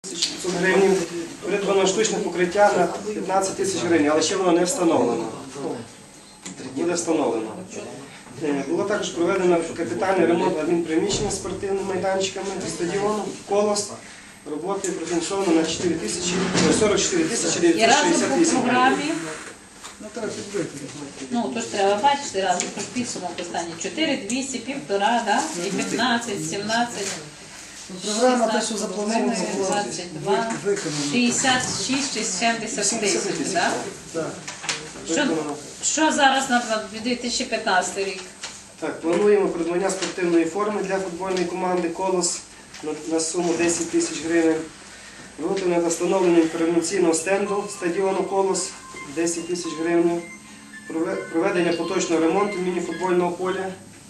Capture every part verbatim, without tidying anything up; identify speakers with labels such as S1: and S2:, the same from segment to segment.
S1: тисяч п'ятсот гривень, придбано штучне покриття на п'ятнадцять тисяч гривень, але ще воно не встановлено. Буде встановлено. Було також проведено капітальний ремонт адмінприміщення з спортивними майданчиками стадіону «Колос». Роботи профінансовано на сорок чотири тисячі дев'ятсот шістдесят вісім гривень.
S2: Ну, то ж треба бачити разом, тож підсумок останній. чотири, двісті, півтора, да? І п'ятнадцять, сімнадцять,
S3: Програма те, що заплановано,
S2: двадцять два, шістдесят шість, сімдесят тисяч, так?
S3: Так.
S2: Що, що зараз на дві тисячі п'ятнадцятий рік?
S1: Так, плануємо придбання спортивної форми для футбольної команди «Колос» на, на суму десять тисяч гривень. Роботи над встановленням інформаційного стенду стадіону «Колос» десять тисяч гривень. Проведення поточного ремонту міні-футбольного поля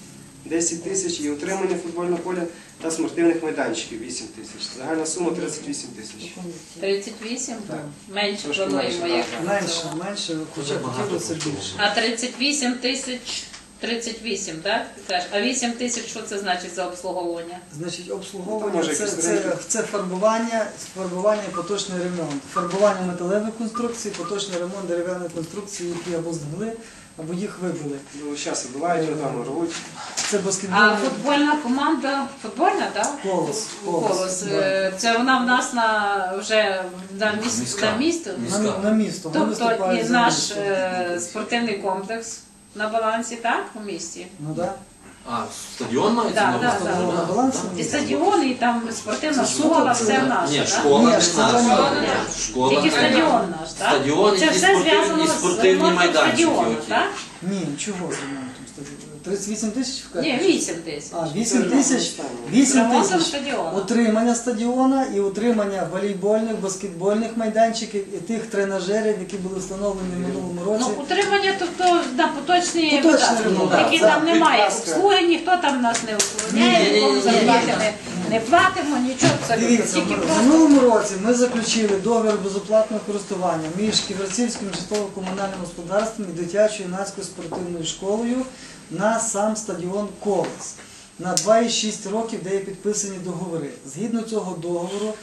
S1: десять тисяч і утримання футбольного поля та спортивних майданчиків вісім тисяч. Загальна сума тридцять вісім тисяч.
S2: тридцять вісім?
S1: Так.
S2: Менше
S1: Трошки
S2: плануємо,
S1: менше,
S2: як.
S3: Менше, менше, хоча хотілося більше.
S2: А тридцять вісім тисяч, тридцять вісім, так? Ти кажеш, а вісім тисяч, що це значить за обслуговування?
S3: Значить,
S1: Ну,
S3: обслуговування
S1: може,
S3: це,
S1: якісь
S3: це,
S1: ринки.
S3: це фарбування, фарбування і поточний ремонт. Фарбування металевих конструкцій, поточний ремонт дерев'яних конструкцій, які або згнили, або їх вибили.
S1: Ну, зараз вибивають, його там рвуть.
S3: Це
S2: А
S3: баскетбольний
S2: футбольна команда, футбольна, так?
S3: колос.
S2: Колос.
S3: да.
S2: Е, Це вона в нас на вже на місто, на місто.
S3: На, на місто. Вони
S2: Тобто
S3: виступають
S2: і
S3: за
S2: наш
S3: місто.
S2: е, спортивний комплекс на балансі, так, у місті?
S3: Ну так.
S4: А, стадіон мається
S2: Да,
S4: на
S2: да,
S4: увазі?
S2: да.
S3: На балансі
S2: І
S3: місто.
S2: стадіон, і там спортивна
S3: Це
S2: школа,
S3: суто,
S2: все
S3: це-
S2: наше,
S4: Ні,
S2: так?
S4: школа
S3: Ні,
S4: не
S3: школа
S4: наша.
S3: ні.
S4: Школа
S2: Тільки
S4: не
S2: стадіон наш, так?
S4: Стадіон,
S2: Це
S4: які
S2: все
S4: спортивні-
S2: зв'язано з
S4: спортивні
S2: ремонтом
S4: майданчики
S2: стадіону,
S4: оті.
S2: так?
S3: Ні, чого з ремонтом стадіону? тридцять вісім тисяч в
S2: Ні, вісім тисяч.
S3: А, вісім тисяч,
S2: З
S3: вісім
S2: ремонтом
S3: тисяч
S2: стадіону.
S3: утримання стадіона і утримання волейбольних, баскетбольних майданчиків і тих тренажерів, які були встановлені в минулому
S2: Ну,
S3: році.
S2: утримання, тобто на поточні
S3: Поточний
S2: видатки,
S3: ремонт,
S2: які
S3: так,
S2: там немає
S1: підказка.
S2: обслуги, ніхто там нас не охороняє,
S4: Ні, ні,
S2: нікому
S4: ні, ні,
S2: зарплати
S4: ні.
S2: не, не платимо, нічого абсолютно.
S3: Дивіться,
S2: Тільки
S3: в
S2: просто
S3: минулому році ми заключили договір безоплатного користування між Ківерцівським житлово-комунальним господарством і дитячою юнацькою спортивною школою на сам стадіон «Колос» на два і шість років, де є підписані договори. Згідно цього договору,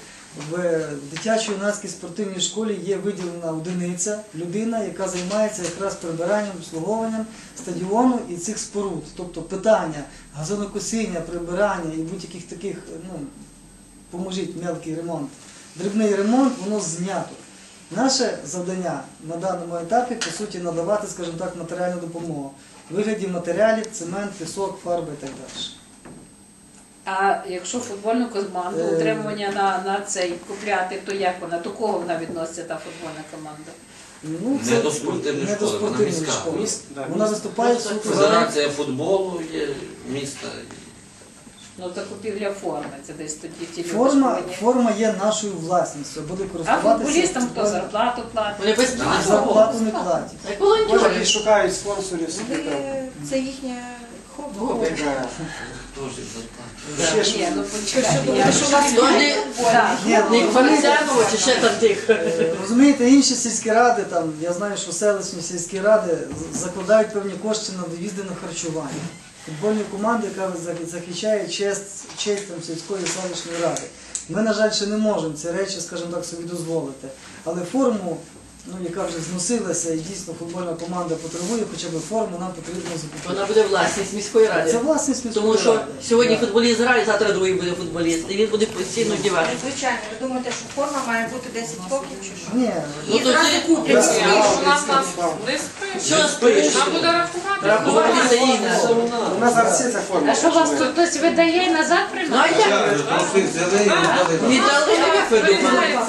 S3: в дитячо-юнацькій спортивній школі є виділена одиниця, людина, яка займається якраз прибиранням, обслуговуванням стадіону і цих споруд. Тобто питання газонокосіння, прибирання і будь-яких таких, ну, поможіть мелкий ремонт, дрібний ремонт, воно знято. Наше завдання на даному етапі, по суті, надавати, скажімо так, матеріальну допомогу. В вигляді матеріалів, цемент, пісок, фарби і так далі.
S2: А якщо футбольну команду,
S3: Е.
S2: утримування на, на цей купляти, то як вона? До кого вона відноситься, та футбольна команда?
S3: Ну,
S4: Не до спортивної
S3: не до
S4: школи, вона
S3: спортивної
S4: міська.
S3: школи.
S1: Міст- да,
S3: Вона
S1: міст.
S3: виступає суто за...
S4: Федерація футболу є міста.
S2: Ну, закупівля форми, це десь тоді ті люди
S3: Форма,
S2: повинні.
S3: форма є нашою власністю, буде
S2: А
S3: користуватися...
S2: футболістам хто зарплату платить?
S5: Вони без
S3: А зарплату не платять.
S1: Може, які шукають спонсорів собі там.
S6: Це їхнє хобі.
S5: Хобі.
S1: Да.
S4: Теж зарплата.
S1: Ще ж-
S2: Ні, ну почекайте. я-
S6: Що у вас
S5: Вони
S2: Так.
S3: Ні,
S5: не
S3: ну,
S5: Фарисяново чи ще там тих.
S3: Е, Розумієте, інші сільські ради, там, я знаю, що селищні сільські ради з- закладають певні кошти на доїзди на харчування. Футбольні команди, яка за- захищає честь, честь там, сільської селищної ради. Ми, на жаль, ще не можемо ці речі, скажімо так, собі дозволити. Але форму, ну, яка вже зносилася і дійсно футбольна команда потребує, хоча б форму нам потрібно закупити.
S5: Вона буде власність міської
S3: Це
S5: ради.
S3: власність міської
S5: Тому що
S3: ради.
S5: сьогодні
S3: Да.
S5: футболіст грає, завтра другий буде футболіст. І він буде постійно вдівати.
S6: Звичайно, ви думаєте, що форма має бути десять років чи що?
S3: Ні,
S5: Ну
S6: І
S5: то
S6: зразу
S5: ти
S6: куплять.
S1: Да.
S6: всі.
S1: Да.
S7: У нас нас
S1: Да.
S7: не спиш.
S5: що спиш?
S7: Нам буде рахувати.
S5: Рахувати це їй надо.
S1: У нас зараз всі ця форма.
S2: А що вас тут хтось видає і назад
S5: Ну а
S2: приймає?
S5: як? Віддали, як ви думали?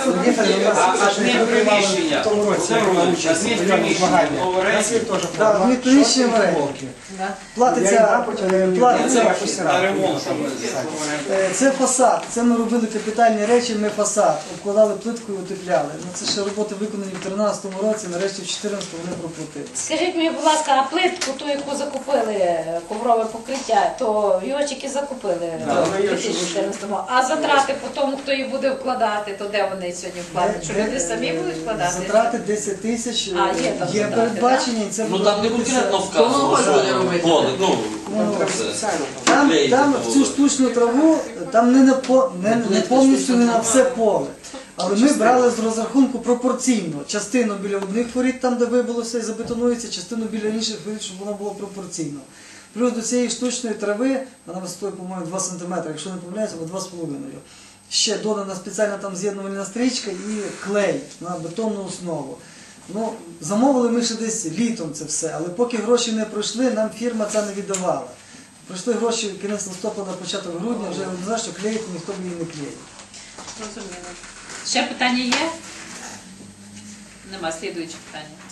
S1: В тому році приймала участь в мільйонному змаганні. У нас є теж
S3: да,
S1: форма.
S3: ми приміщення в оренді.
S2: Да.
S3: Платиться, е, платиться,
S1: ремонт.
S3: е, це фасад, це ми робили капітальні речі, ми фасад, обкладали плиткою, утепляли. Ну, це ще роботи виконані в тринадцятому році, нарешті в чотирнадцятому вони проплатили.
S2: Скажіть мені, будь ласка, а плитку, ту, яку закупили, коврове покриття, то йочики закупили
S1: Да,
S2: в
S1: вона є,
S2: дві тисячі
S1: що
S2: чотирнадцятому. А затрати по тому, хто її буде вкладати, то де вони сьогодні вкладуть? Що
S3: Де-
S2: люди самі будуть вкладати?
S3: Затрати десять тисяч е,
S2: А, є там
S3: є
S2: затрати,
S3: передбачені, і це
S4: Ну
S3: буде
S4: там не
S3: робитися-
S4: конкретно
S5: Кого
S4: вказано,
S5: буде
S4: що
S5: робити?
S4: поле, ну,
S3: Ну,
S1: Треба
S4: це-
S1: спеціально.
S3: Там,
S4: Клеїти
S3: там
S4: було.
S3: в цю штучну траву, там не, на по, не, не повністю не на все поле. Але ми брали з розрахунку пропорційно. Частину біля одних воріт, там де вибилося і забетонується, частину біля інших воріт, щоб воно було пропорційно. Плюс до цієї штучної трави, вона висотою, по-моєму, два сантиметри, якщо не помиляюся, або два з половиною. Ще додана спеціальна там з'єднувальна стрічка і клей на бетонну основу. Ну, замовили ми ще десь літом це все, але поки гроші не пройшли, нам фірма це не віддавала. Пройшли гроші кінець листопада, початок грудня, вже не знаю, що клеїти, ніхто б її не клеїв.
S2: Зрозуміло. Ще питання є? Нема. Слідуюче питання.